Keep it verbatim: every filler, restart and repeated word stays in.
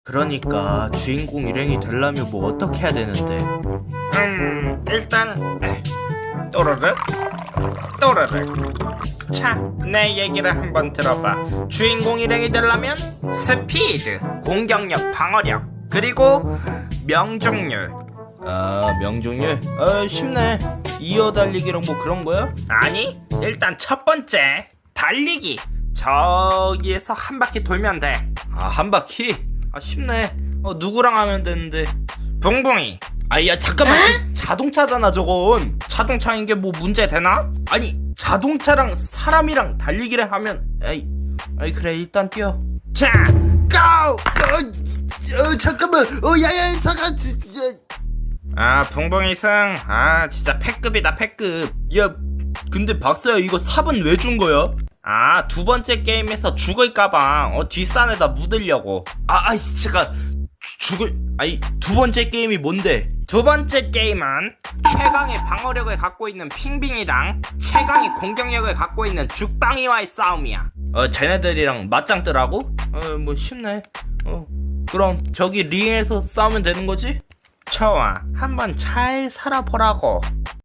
그러니까 주인공 일행이 되려면 뭐 어떻게 해야 되는데? 음 일단 에, 또르륵 또르륵. 자, 내 얘기를 한번 들어봐. 주인공 일행이 되려면 스피드, 공격력, 방어력, 그리고 명중률. 아, 명중률? 아, 쉽네. 이어 달리기랑 뭐 그런 거야? 아니, 일단 첫 번째 달리기. 저기에서 한 바퀴 돌면 돼. 아, 한 바퀴? 아, 쉽네. 어, 누구랑 하면 되는데? 붕붕이. 아, 야, 잠깐만. 그 자동차잖아, 저건. 자동차인 게 뭐 문제 되나? 아니, 자동차랑 사람이랑 달리기를 하면, 에이, 아이, 그래, 일단 뛰어. 자, 고! 어, 어, 잠깐만. 어, 야야, 잠깐, 진짜. 아, 붕붕이 승. 아, 진짜 패급이다, 패급. 야, 근데 박사야, 이거 삽은 왜 준 거야? 아, 두 번째 게임에서 죽을까봐 어, 뒷산에다 묻으려고. 아, 아이, 잠깐. 주- 죽을, 아니, 두 번째 게임이 뭔데? 두 번째 게임은 최강의 방어력을 갖고 있는 핑빙이랑 최강의 공격력을 갖고 있는 죽방이와의 싸움이야. 어, 쟤네들이랑 맞짱 뜨라고? 어, 뭐 쉽네. 어, 그럼 저기 링에서 싸우면 되는 거지? 좋아, 한번 잘 살아보라고.